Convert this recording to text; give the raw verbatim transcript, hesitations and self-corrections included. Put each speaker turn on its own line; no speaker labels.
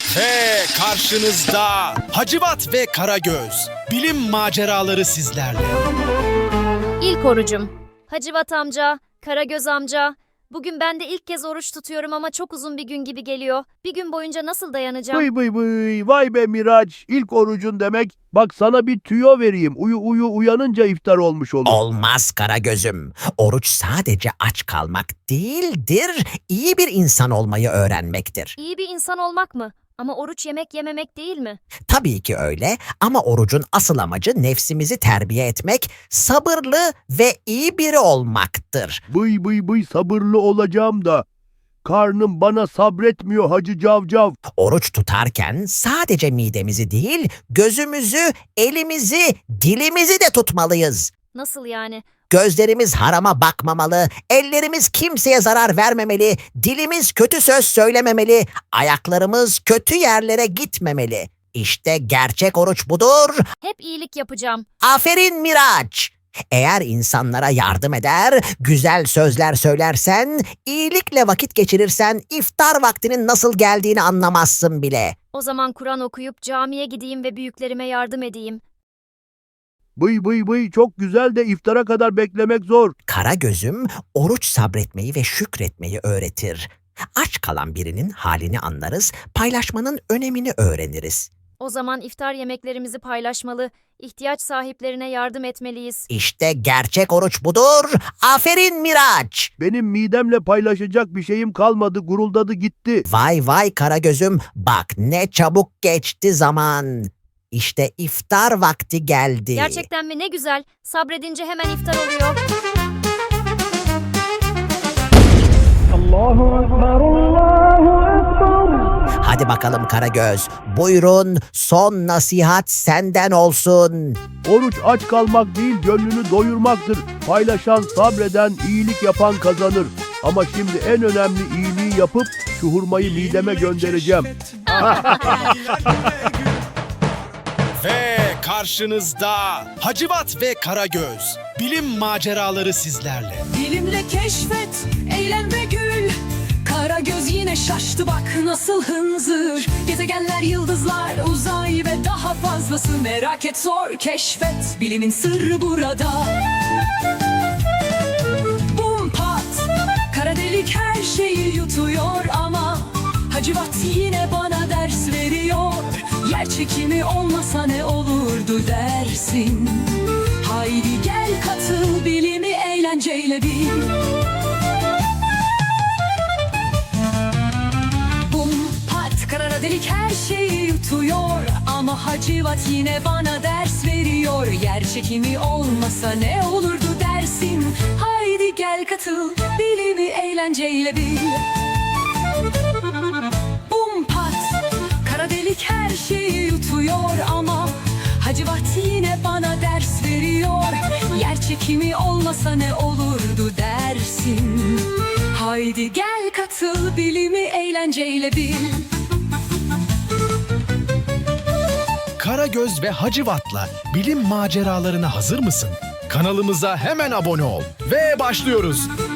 Ve karşınızda Hacivat ve Karagöz. Bilim maceraları sizlerle.
İlk orucum. Hacivat amca, Karagöz amca. Bugün ben de ilk kez oruç tutuyorum ama çok uzun bir gün gibi geliyor. Bir gün boyunca nasıl dayanacağım?
Vıy vıy vıy, vay be Miraç, ilk orucun demek. Bak sana bir tüyo vereyim, uyu uyu uyanınca iftar olmuş olur.
Olmaz Karagöz'üm. Oruç sadece aç kalmak değildir, iyi bir insan olmayı öğrenmektir.
İyi bir insan olmak mı? Ama oruç yemek yememek değil mi?
Tabii ki öyle ama orucun asıl amacı nefsimizi terbiye etmek, sabırlı ve iyi biri olmaktır.
Vıy vıy vıy, sabırlı olacağım da karnım bana sabretmiyor Hacı Cavcav.
Oruç tutarken sadece midemizi değil, gözümüzü, elimizi, dilimizi de tutmalıyız.
Nasıl yani?
Gözlerimiz harama bakmamalı, ellerimiz kimseye zarar vermemeli, dilimiz kötü söz söylememeli, ayaklarımız kötü yerlere gitmemeli. İşte gerçek oruç budur.
Hep iyilik yapacağım.
Aferin Miraç. Eğer insanlara yardım eder, güzel sözler söylersen, iyilikle vakit geçirirsen iftar vaktinin nasıl geldiğini anlamazsın bile.
O zaman Kur'an okuyup camiye gideyim ve büyüklerime yardım edeyim.
Vıy vıy vıy, çok güzel de iftara kadar beklemek zor.
Karagöz'üm oruç sabretmeyi ve şükretmeyi öğretir. Aç kalan birinin halini anlarız, paylaşmanın önemini öğreniriz.
O zaman iftar yemeklerimizi paylaşmalı, ihtiyaç sahiplerine yardım etmeliyiz.
İşte gerçek oruç budur. Aferin Miraç.
Benim midemle paylaşacak bir şeyim kalmadı, guruldadı gitti.
Vay vay Karagöz'üm, bak ne çabuk geçti zaman. İşte iftar vakti geldi.
Gerçekten mi? Ne güzel. Sabredince hemen iftar oluyor.
Hadi bakalım Karagöz, buyurun son nasihat senden olsun.
Oruç aç kalmak değil, gönlünü doyurmaktır. Paylaşan, sabreden, iyilik yapan kazanır. Ama şimdi en önemli iyiliği yapıp şu hurmayı mideme göndereceğim.
Ve karşınızda Hacivat ve Karagöz. Bilim maceraları sizlerle.
Bilimle keşfet, eğlen ve gül. Karagöz yine şaştı, bak nasıl hınzır. Gezegenler, yıldızlar, uzay ve daha fazlası. Merak et, sor, keşfet. Bilimin sırrı burada. Bum pat, kara delik her şeyi yutuyor ama Hacivat yine bana ders veriyor. Yer çekimi olmasa ne olurdu dersin? Haydi gel katıl, bilimi eğlenceyle bil. Bum pat, kara delik her şeyi yutuyor ama Hacivat yine bana ders veriyor. Yer çekimi olmasa ne olurdu dersin? Haydi gel katıl, bilimi eğlenceyle bil. Bum pat, kara delik her şeyi yutuyor ama Hacivat yine bana ders veriyor. Yer çekimi olmasa ne olurdu dersin? Haydi gel katıl, bilimi eğlenceyle bil.
Karagöz ve Hacivat'la bilim maceralarına hazır mısın? Kanalımıza hemen abone ol ve başlıyoruz.